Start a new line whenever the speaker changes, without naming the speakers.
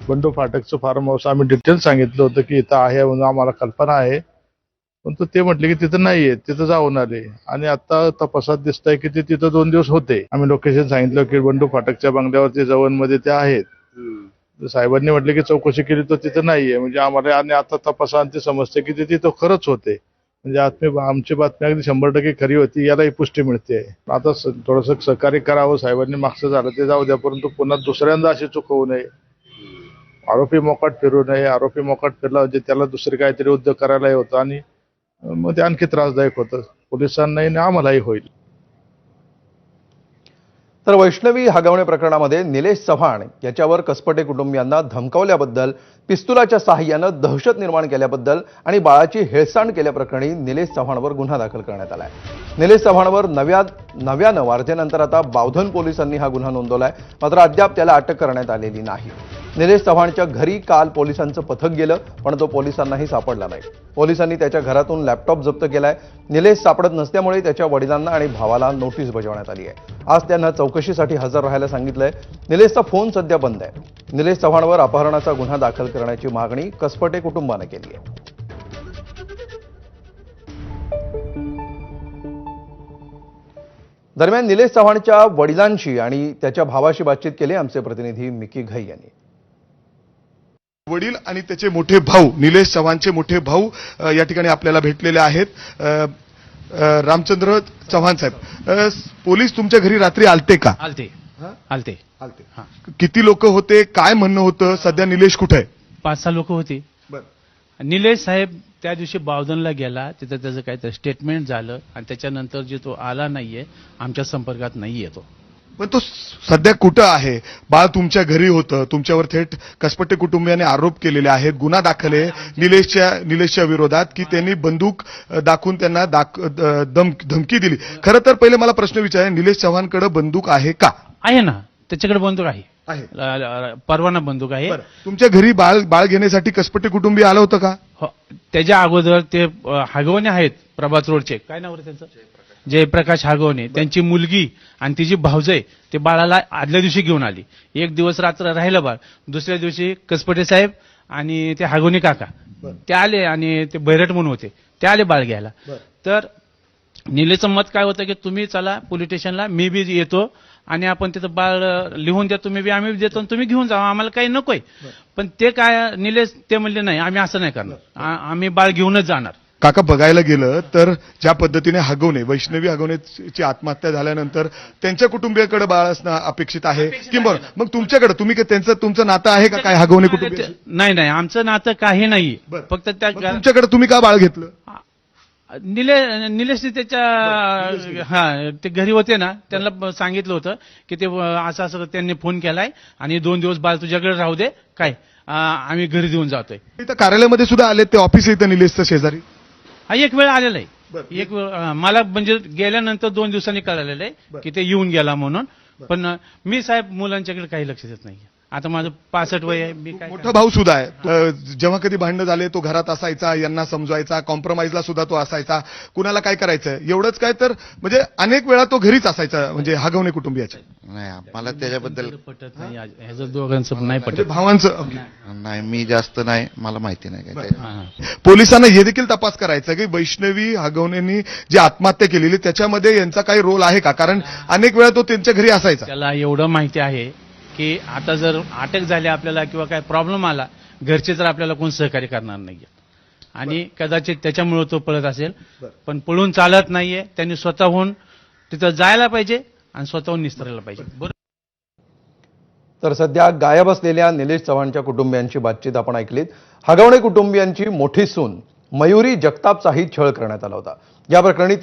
बंडू फाटकचं farm house आम्ही detail सांगितलं होतं की इथं आहे म्हणून आम्हाला कल्पना आहे, परंतु ते म्हटले की तिथं नाहीये, तिथं जाऊन आले आणि आता तपासात दिसतंय की ते तिथं 2 दिवस होते. आम्ही लोकेशन सांगितलं की बंडू फाटकच्या बंगल्यावरती जवळमध्ये ते आहेत. साहेबांनी म्हटले की चौकशी केली तर तिथं नाहीये, म्हणजे आम्हाला आणि आता तपासांती समजते की ते तिथं खरंच होते. म्हणजे आमची बातमी अगदी 100% खरी होती, यालाही पुष्टी मिळते. आता थोडंसं सहकार्य करावं, साहेबांनी मागचं झालं ते जाऊ द्या, परंतु पुन्हा दुसऱ्यांदा अशी चूक होऊ नये. आरोपी मोकाट फिरू नये. आरोपी मोकाट फिरला म्हणजे त्याला दुसरे काहीतरी उद्योग करायलाही होतं आणि मग ते आणखी त्रासदायक होतं पोलिसांनाही आणि आम्हालाही होईल.
तर वैष्णवी हगवणे प्रकरणामध्ये निलेश चव्हाण याच्यावर कसपटे कुटुंबियांना धमकावल्याबद्दल, पिस्तुलाच्या साहाय्यानं दहशत निर्माण केल्याबद्दल आणि बाळाची हेळसांड केल्याप्रकरणी निलेश चव्हाणवर गुन्हा दाखल करण्यात आलाय. निलेश चव्हाणवर नव्यानं वारधेनंतर आता बावधन पोलिसांनी हा गुन्हा नोंदवलाय. मात्र अद्याप त्याला अटक करण्यात आलेली नाही. निलेश चव्हाणच्या घरी काल पोलिसांचं पथक गेलं, पण तो पोलिसांनाही सापडला नाही. पोलिसांनी त्याच्या घरातून लॅपटॉप जप्त केलाय. निलेश सापडत नसल्यामुळे त्याच्या वडिलांना आणि भावाला नोटीस बजावण्यात आली आहे. आज त्यांना चौकशीसाठी हजर राहायला सांगितलंय. निलेशचा फोन सध्या बंद आहे. निलेश चव्हाणवर अपहरणाचा गुन्हा दाखल करण्याची मागणी कसपटे कुटुंबानं केली आहे. दरम्यान निलेश चव्हाणच्या वडिलांशी आणि त्याच्या भावाशी बातचीत केली आमचे प्रतिनिधी मिकी घई यांनी.
वडील आणि त्याचे मोठे भाऊ, निलेश चव्हाणचे मोठे भाऊ या ठिकाणी आपल्याला भेटलेले आहेत. रामचंद्र चव्हाण साहेब, पोलीस तुमच्या घरी रात्री आलते का?
आलते.
किती लोक होते? काय म्हणणं होतं? सध्या निलेश कुठे आहे?
5-6 लोक होते. निलेश साहेब त्या दिवशी बावधनला गेला, तिथं त्याचं काहीतरी स्टेटमेंट झालं आणि त्याच्यानंतर जे तो आला नाहीये, आमच्या संपर्कात नाहीये तो.
पण तो सध्या कुठं आहे? बाळ तुमच्या घरी होतं, तुमच्यावर थेट कसपटे कुटुंबियांनी आरोप केलेले आहेत, गुन्हा दाखल आहे निलेशच्या विरोधात की त्यांनी बंदूक दाखवून त्यांना धमकी दिली. खरं तर पहिले मला प्रश्न विचारायचा, निलेश चव्हाणकडे बंदूक आहे का?
आहे ना, त्याच्याकडे बंदूक आहे, परवाना बंदूक आहे.
तुमच्या घरी बाळ घेण्यासाठी कसपटे कुटुंबीय आलं होतं का?
हो, त्याच्या अगोदर ते हगवणे आहेत प्रभात रोडचे, काय नाव रे त्यांचं, जयप्रकाश हगवणे, त्यांची मुलगी आणि तिची भावजय ते बाळाला आदल्या दिवशी घेऊन आली. एक दिवस रात्र राहिलं बाळ. दुसऱ्या दिवशी कसपटे साहेब आणि ते हगवणे काका ते आले आणि ते बैरट म्हणून होते, ते आले बाळ घ्यायला. तर निलेशचं मत काय होतं की तुम्ही चला पोलीस स्टेशनला, मी बी येतो आणि आपण तिथं बाळ लिहून द्या, तुम्ही बी आम्ही देतो, तुम्ही घेऊन जा, आम्हाला काही नकोय. पण ते काय निलेश ते म्हणले नाही, आम्ही असं नाही करणार, आम्ही बाळ घेऊनच जाणार.
काका, बघायला गेलं तर ज्या पद्धतीने वैष्णवी हगवणेची आत्महत्या झाल्यानंतर त्यांच्या कुटुंबियाकडे बाळ असणं अपेक्षित आहे किंवा मग तुमच्याकडे तुमचं नातं आहे का काय हगवणे कुटुंब?
नाही, आमचं नातं काही नाही. फक्त त्या
तुमच्याकडे तुम्ही का बाळ घेतलं?
निलेशने त्याच्या ते घरी होते ना, त्यांना सांगितलं होतं की ते असं त्यांनी फोन केलाय आणि 2 दिवस बाळ तुझ्याकडे राहू दे, काय आम्ही घरी देऊन जातोय.
इथं कार्यालयामध्ये सुद्धा आले, ते ऑफिस इथं निलेशचं शेजारी.
हा एक वेळ आलेला आहे, एक वेळ मला म्हणजे गेल्यानंतर 2 दिवसांनी कळालेलं आहे की ते येऊन गेला म्हणून. पण मी साहेब मुलांच्याकडे काही लक्ष देत नाही. आता माझं 65 वय आहे, मी काय.
मोठा भाऊ सुद्धा आहे, जेव्हा कधी भांडणं झाले तो घरात असायचा, यांना समजवायचा, कॉम्प्रोमाइजला सुद्धा तो असायचा. कुणाला काय करायचं एवढंच काय तर म्हणजे अनेक वेळा तो घरीच असायचा, म्हणजे हगवणे कुटुंबियाच्या.
नाही, मला त्याच्याबद्दल
पटत नाही, ह्याचं दोघांचं नाही पटत.
भावांचं
नाही, मी जास्त नाही, मला माहिती नाही काय.
पोलिसांना हे देखील तपास करायचा की वैष्णवी हगवणेंनी जी आत्महत्या केलेली त्याच्यामध्ये यांचा काही रोल आहे का? कारण अनेक वेळा तो त्यांच्या घरी असायचा.
त्याला एवढं माहिती आहे की आता जर अटक झाली आपल्याला किंवा काय प्रॉब्लेम आला, घरचे तर आपल्याला कोण सहकार्य करणार नाहीये आणि कदाचित त्याच्यामुळे तो पळत असेल. पण पळून चालत नाहीये, त्यांनी स्वतःहून तिथं जायला पाहिजे आणि स्वतःहून निस्तरायला पाहिजे. बरोबर.
तर सध्या गायब असलेल्या निलेश चव्हाणच्या कुटुंबियांची बातचीत आपण ऐकलीत. हगवणे कुटुंबियांची मोठी सून मयुरी जगतापचाही छळ करण्यात आला होता. या प्रकरणी